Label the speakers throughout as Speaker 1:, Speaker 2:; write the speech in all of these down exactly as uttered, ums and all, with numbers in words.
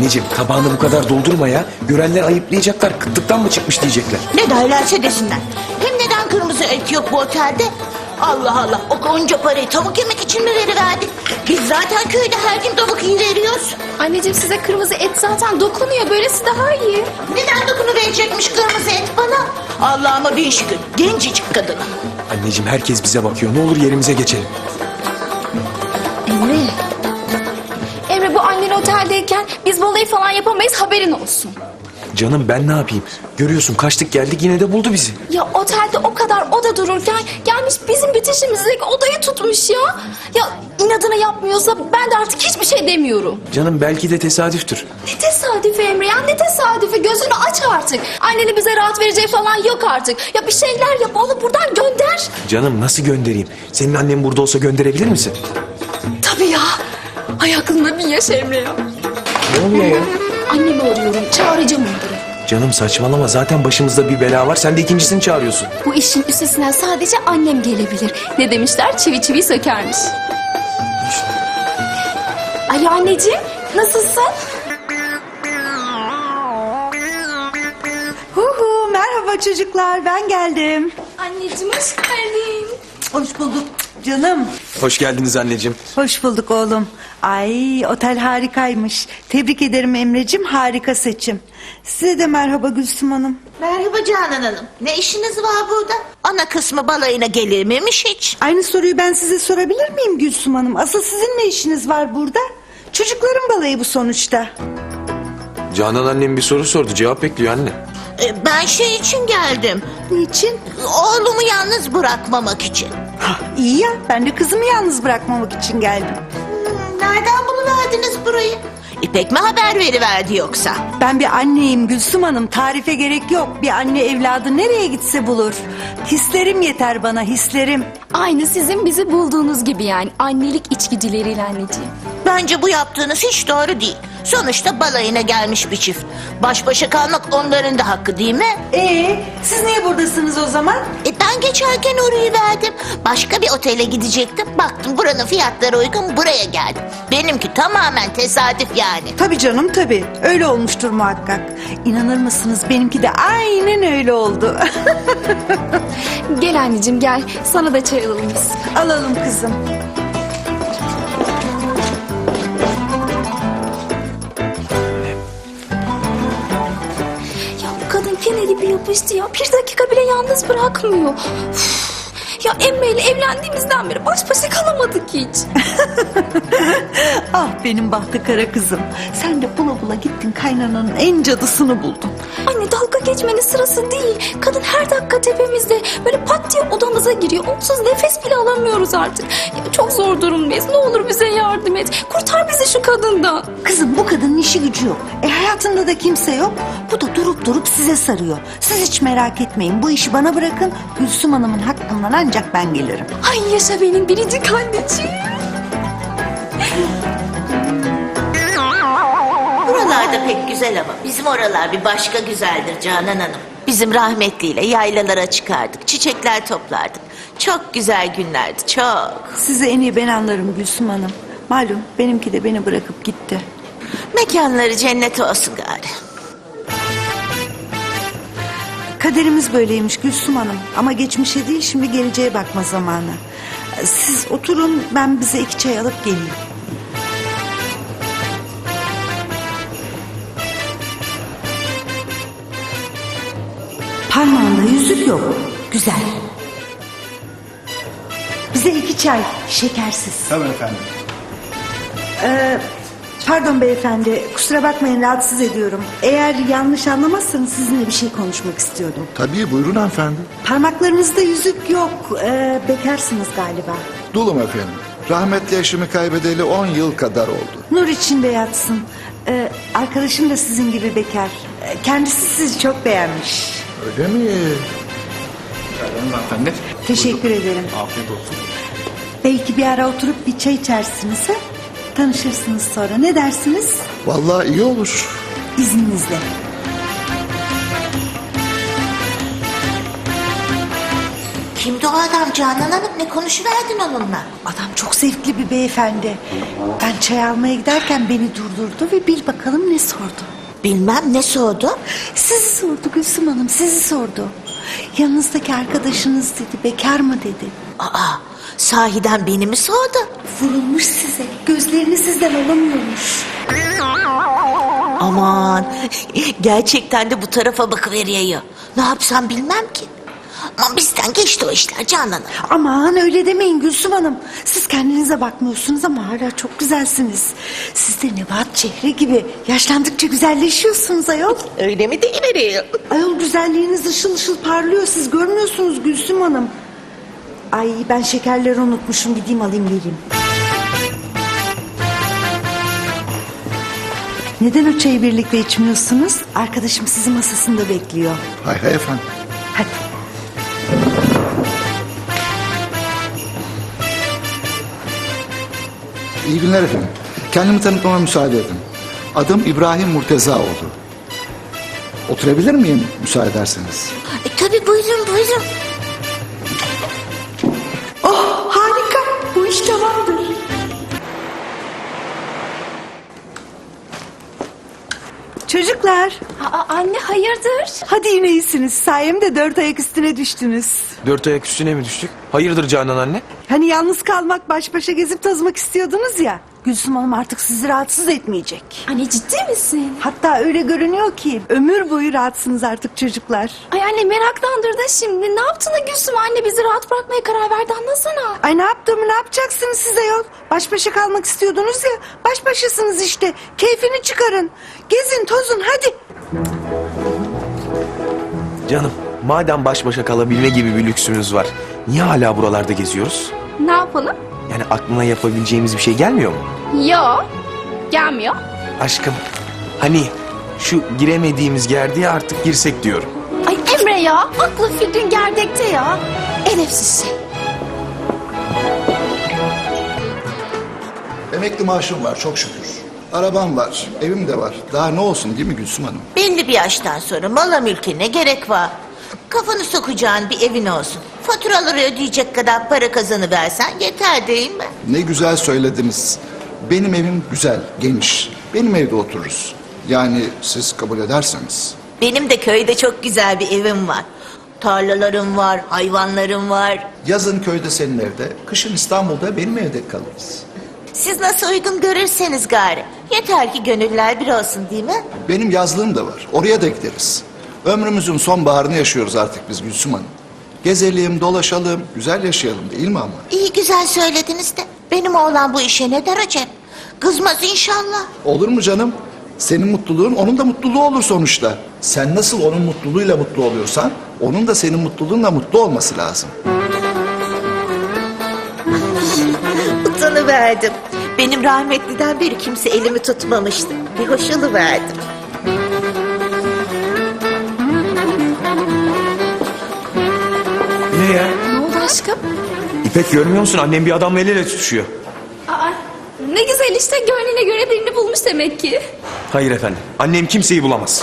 Speaker 1: Anneciğim tabağını bu kadar doldurma ya. Görenler ayıplayacaklar. Kıtlıktan mı çıkmış diyecekler.
Speaker 2: Ne derlerse desinler. Hem neden kırmızı et yok bu otelde? Allah Allah, o onca parayı tavuk yemek için mi veriverdik? Biz zaten köyde her gün tavuk iyi veriyoruz.
Speaker 3: Anneciğim size kırmızı et zaten dokunuyor. Böylesi daha iyi.
Speaker 2: Neden dokunuverecekmiş kırmızı et bana? Allah'ıma bin şükür, gencecik kadın.
Speaker 1: Anneciğim herkes bize bakıyor. Ne olur yerimize geçelim.
Speaker 3: Emre. Emre bu annen oteldeyken biz balayı falan yapamayız, haberin olsun.
Speaker 1: Canım ben ne yapayım? Görüyorsun kaçtık geldik yine de buldu bizi.
Speaker 3: Ya otelde o kadar oda dururken gelmiş bizim bitişimizdeki odayı tutmuş ya. Ya inadına yapmıyorsa ben de artık hiçbir şey demiyorum.
Speaker 1: Canım belki de tesadüftür.
Speaker 3: Ne tesadüfi Emre ya, ne tesadüfi, gözünü aç artık. Annenin bize rahat vereceği falan yok artık. Ya bir şeyler yap, onu buradan gönder.
Speaker 1: Canım nasıl göndereyim? Senin annen burada olsa gönderebilir misin?
Speaker 3: Tabii ya. Ay aklında bin yaş Emre ya.
Speaker 1: Ne oluyor ya?
Speaker 3: Annemi arıyorum, çağıracağım onları.
Speaker 1: Canım saçmalama zaten başımızda bir bela var. Sen de ikincisini çağırıyorsun.
Speaker 3: Bu işin üstesinden sadece annem gelebilir. Ne demişler? Çivi çivi sökermiş. Alo anneciğim, nasılsın?
Speaker 4: Hu hu, merhaba çocuklar, ben geldim.
Speaker 3: Anneciğim hoş geldin.
Speaker 4: Hoş bulduk canım.
Speaker 1: Hoş geldiniz anneciğim.
Speaker 4: Hoş bulduk oğlum. Ay, otel harikaymış. Tebrik ederim Emre'cim, harika seçim. Size de merhaba Gülsüm Hanım.
Speaker 2: Merhaba Canan Hanım. Ne işiniz var burada? Ana kısmı balayına gelir miymiş hiç?
Speaker 4: Aynı soruyu ben size sorabilir miyim Gülsüm Hanım? Asıl sizin ne işiniz var burada? Çocukların balayı bu sonuçta.
Speaker 1: Canan annem bir soru sordu. Cevap bekliyor anne.
Speaker 2: Ee, ben şey için geldim.
Speaker 4: Niçin?
Speaker 2: Oğlumu yalnız bırakmamak için.
Speaker 4: Hah, iyi ya, ben de kızımı yalnız bırakmamak için geldim.
Speaker 2: Hmm, nereden buluverdiniz burayı? İpek mi haber veriverdi yoksa?
Speaker 4: Ben bir anneyim Gülsüm Hanım, tarife gerek yok. Bir anne evladı nereye gitse bulur. Hislerim yeter bana, hislerim.
Speaker 3: Aynı sizin bizi bulduğunuz gibi yani. Annelik içgüdüleriyle anneciğim.
Speaker 2: Bence bu yaptığınız hiç doğru değil. Sonuçta balayına gelmiş bir çift. Baş başa kalmak onların da hakkı değil mi?
Speaker 4: Ee, siz niye buradasınız o zaman?
Speaker 2: E ben geçerken orayı verdim. Başka bir otele gidecektim. Baktım buranın fiyatları uygun, buraya geldim. Benimki tamamen tesadüf yani.
Speaker 4: Tabii canım tabii. Öyle olmuştur muhakkak. İnanır mısınız benimki de aynen öyle oldu.
Speaker 3: Gel anneciğim gel. Sana da çay alalım biz.
Speaker 4: Alalım kızım.
Speaker 3: Ya bu kadın fene gibi yapıştı ya. Bir dakika bile yalnız bırakmıyor. Üf. Ya Emre ile evlendiğimizden beri baş başa kalamadık hiç.
Speaker 4: Ah benim bahtı kara kızım. Sen de bula bula gittin kaynananın en cadısını buldun.
Speaker 3: Anne dalga geçmenin sırası değil. Kadın her dakika tepemizde. Böyle pat diye odamıza giriyor. Onsuz nefes bile alamıyoruz artık. Ya çok zor durumdayız. Ne olur bize yardım et. Kurtar bizi şu kadından.
Speaker 4: Kızım bu kadının işi gücü yok. E hayatında da kimse yok. Bu da durup durup size sarıyor. Siz hiç merak etmeyin. Bu işi bana bırakın. Gülsüm Hanım'ın hakkından ancak ben gelirim.
Speaker 3: Ay yaşa benim biricik anneciğim.
Speaker 2: Buralarda pek güzel ama bizim oralar bir başka güzeldir Canan Hanım. Bizim rahmetliyle yaylalara çıkardık, çiçekler toplardık. Çok güzel günlerdi, çok.
Speaker 4: Sizi en iyi ben anlarım Gülsüm Hanım. Malum benimki de beni bırakıp gitti.
Speaker 2: Mekanları cennet olsun gari.
Speaker 4: Kaderimiz böyleymiş Gülsüm Hanım. Ama geçmişe değil şimdi geleceğe bakma zamanı. Siz oturun ben bize iki çay alıp geleyim. Parmağında yüzük yok. Güzel. Bize iki çay şekersiz.
Speaker 5: Tabii efendim.
Speaker 4: Ee, pardon beyefendi kusura bakmayın rahatsız ediyorum. Eğer yanlış anlamazsanız sizinle bir şey konuşmak istiyordum.
Speaker 5: Tabii buyurun hanımefendi.
Speaker 4: Parmaklarınızda yüzük yok. Ee, bekarsınız galiba.
Speaker 5: Dulum efendim. Rahmetli eşimi kaybedeli on yıl kadar oldu.
Speaker 4: Nur içinde yatsın. Ee, arkadaşım da sizin gibi bekar. Ee, kendisi sizi çok beğenmiş.
Speaker 5: Öyle mi?
Speaker 6: Hanımefendi.
Speaker 4: Teşekkür ederim.
Speaker 6: Afiyet olsun.
Speaker 4: Belki bir ara oturup bir çay içersiniz ha? Tanışırsınız sonra. Ne dersiniz?
Speaker 5: Vallahi iyi olur.
Speaker 4: İzninizle.
Speaker 2: Kimdi o adam Canan Hanım? Ne konuşuverdin onunla?
Speaker 4: Adam çok zevkli bir beyefendi. Ben çay almaya giderken beni durdurdu ve bir bakalım ne sordu.
Speaker 2: Bilmem ne sordu.
Speaker 4: Sizi sordu Gülsüm Hanım, sizi sordu. Yanınızdaki arkadaşınız dedi, bekar mı dedi.
Speaker 2: Aa, sahiden beni mi sordu?
Speaker 4: Vurulmuş size, gözlerini sizden alamıyormuş.
Speaker 2: Aman, gerçekten de bu tarafa bakıveriyor. Ne yapsam bilmem ki. Ama bizden geçti o işler Canan Hanım.
Speaker 4: Aman öyle demeyin Gülsüm Hanım. Siz kendinize bakmıyorsunuz ama hala çok güzelsiniz. Siz de Nebahat Çehre gibi yaşlandıkça güzelleşiyorsunuz ayol.
Speaker 2: Öyle mi deyiveriyor?
Speaker 4: Ayol güzelliğiniz ışıl ışıl parlıyor. Siz görmüyorsunuz Gülsüm Hanım. Ay ben şekerleri unutmuşum. Gideyim alayım geleyim. Neden o çayı birlikte içmiyorsunuz? Arkadaşım sizi masasında bekliyor.
Speaker 5: Hay hay efendim.
Speaker 4: Hadi.
Speaker 5: İyi günler efendim. Kendimi tanıtmama müsaade edin. Adım İbrahim Murtezaoğlu. Oturabilir miyim müsaade ederseniz?
Speaker 2: E, tabii buyurun buyurun.
Speaker 4: Oh harika. Bu iş tamamdır. Çocuklar.
Speaker 3: Aa, anne hayırdır?
Speaker 4: Hadi yine iyisiniz. Sayemde dört ayak üstüne düştünüz.
Speaker 1: Dört ayak üstüne mi düştük? Hayırdır Canan anne?
Speaker 4: Hani yalnız kalmak, baş başa gezip tozmak istiyordunuz ya. Gülsüm Hanım artık sizi rahatsız etmeyecek.
Speaker 3: Anne ciddi misin?
Speaker 4: Hatta öyle görünüyor ki ömür boyu rahatsınız artık çocuklar.
Speaker 3: Ay anne meraklandırdın şimdi. Ne yaptın da Gülsüm anne bizi rahat bırakmaya karar verdi anlasana.
Speaker 4: Ay ne yaptığımı ne yapacaksınız size yol? Baş başa kalmak istiyordunuz ya. Baş başasınız işte. Keyfini çıkarın. Gezin tozun hadi.
Speaker 1: Canım, madem baş başa kalabilme gibi bir lüksümüz var, niye hala buralarda geziyoruz?
Speaker 3: Ne yapalım?
Speaker 1: Yani aklına yapabileceğimiz bir şey gelmiyor mu?
Speaker 3: Yo. Gelmiyor.
Speaker 1: Aşkım, hani şu giremediğimiz gerdiğe artık girsek diyorum.
Speaker 3: Ay Emre ya. Aklı fikrin gerdekte ya. Edepsiz şey.
Speaker 5: Emekli maaşım var çok şükür. Arabam var, evim de var. Daha ne olsun değil mi Gülsüm Hanım?
Speaker 2: Belli bir yaştan sonra mala mülke ne gerek var? Kafanı sokacağın bir evin olsun. Faturaları ödeyecek kadar para kazanıversen yeter değil mi?
Speaker 5: Ne güzel söylediniz. Benim evim güzel, geniş. Benim evde otururuz. Yani siz kabul ederseniz.
Speaker 2: Benim de köyde çok güzel bir evim var. Tarlalarım var, hayvanlarım var.
Speaker 5: Yazın köyde senin evde, kışın İstanbul'da benim evde kalırız.
Speaker 2: Siz nasıl uygun görürseniz gari. Yeter ki gönüller bir olsun değil mi?
Speaker 5: Benim yazlığım da var, oraya da gideriz. Ömrümüzün sonbaharını yaşıyoruz artık biz Gülsüm Hanım. Gezelim, dolaşalım, güzel yaşayalım değil mi ama?
Speaker 2: İyi güzel söylediniz de. Benim oğlan bu işe ne der acaba? Kızmaz inşallah.
Speaker 5: Olur mu canım? Senin mutluluğun onun da mutluluğu olur sonuçta. Sen nasıl onun mutluluğuyla mutlu oluyorsan, onun da senin mutluluğunla mutlu olması lazım.
Speaker 2: Utanıverdim. Benim rahmetliden beri kimse elimi tutmamıştı. Bir hoş oluverdim.
Speaker 1: Ne ya?
Speaker 3: Ne oldu aşkım?
Speaker 1: İpek görmüyor musun? Annem bir adamla el ele tutuşuyor.
Speaker 3: Aa, ne güzel işte gönlüne göre birini bulmuş demek ki.
Speaker 1: Hayır efendim, annem kimseyi bulamaz.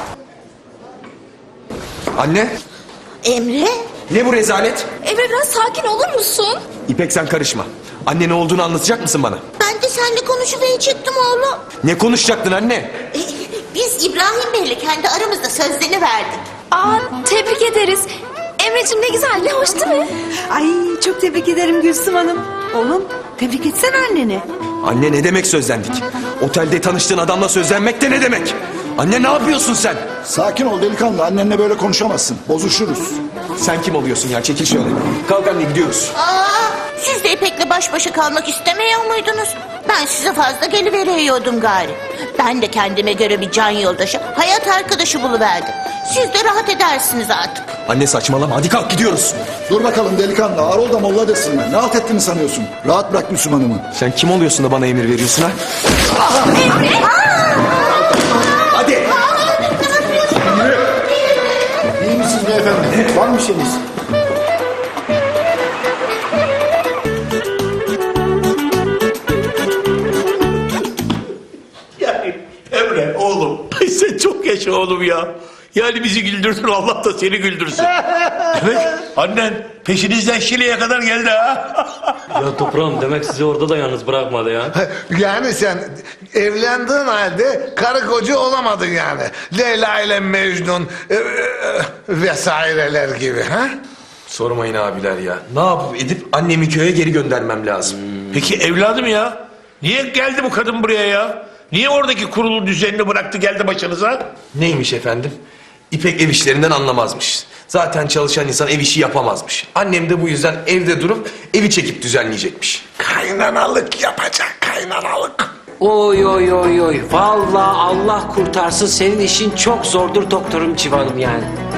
Speaker 1: Anne,
Speaker 2: Emre?
Speaker 1: ne bu rezalet?
Speaker 3: Emre biraz sakin olur musun?
Speaker 1: İpek sen karışma. Anne ne olduğunu anlatacak mısın bana?
Speaker 2: Ben de seninle konuşuverecektim oğlum.
Speaker 1: Ne konuşacaktın anne?
Speaker 2: E, biz İbrahim Bey'le kendi aramızda sözlerini verdik.
Speaker 3: Aa, tebrik ederiz. Emre'cim ne güzel, ne hoş değil mi?
Speaker 4: Ay çok tebrik ederim Gülsüm Hanım. Oğlum tebrik etsene anneni.
Speaker 1: Anne ne demek sözlendik? Otelde tanıştığın adamla sözlenmek de ne demek? Anne ne yapıyorsun sen?
Speaker 5: Sakin ol delikanlı, annenle böyle konuşamazsın. Bozuşuruz.
Speaker 1: Sen kim oluyorsun ya? Çekil şöyle. Kalk anne gidiyoruz.
Speaker 2: Aa, siz de İpek'le baş başa kalmak istemiyor muydunuz? Ben size fazla geliveriyordum gari. Ben de kendime göre bir can yoldaşı, hayat arkadaşı buluverdim. Siz de rahat edersiniz artık.
Speaker 1: Anne saçmalama hadi kalk gidiyoruz.
Speaker 5: Dur bakalım delikanlı, ağır ol da molla desinler. Ne halt ettiğini sanıyorsun? Rahat bırak Gülsüm Hanım'ı.
Speaker 1: Sen kim oluyorsun da bana emir veriyorsun ha? Hadi.
Speaker 5: İyi misiniz beyefendi? Var mı bir şeyiniz?
Speaker 6: Yani Emre oğlum, ay sen çok yaşa oğlum ya. Yani bizi güldürdün, Allah da seni güldürsün. Demek annen peşinizden Şile'ye kadar geldi ha.
Speaker 7: Ya toprağım demek sizi orada da yalnız bırakmadı ya.
Speaker 8: Yani sen evlendiğin halde karı koca olamadın yani. Leyla ile Mecnun e, e, vesaireler gibi ha?
Speaker 1: Sormayın abiler ya. Ne yapıp edip annemi köye geri göndermem lazım.
Speaker 6: Peki evladım ya? Niye geldi bu kadın buraya ya? Niye oradaki kurulu düzenini bıraktı geldi başınıza?
Speaker 1: Neymiş efendim? İpek ev işlerinden anlamazmış. Zaten çalışan insan ev işi yapamazmış. Annem de bu yüzden evde durup evi çekip düzenleyecekmiş.
Speaker 8: Kaynanalık yapacak, kaynanalık.
Speaker 9: Oy oy oy oy. Vallahi Allah kurtarsın, senin işin çok zordur doktorum Civan'ım yani.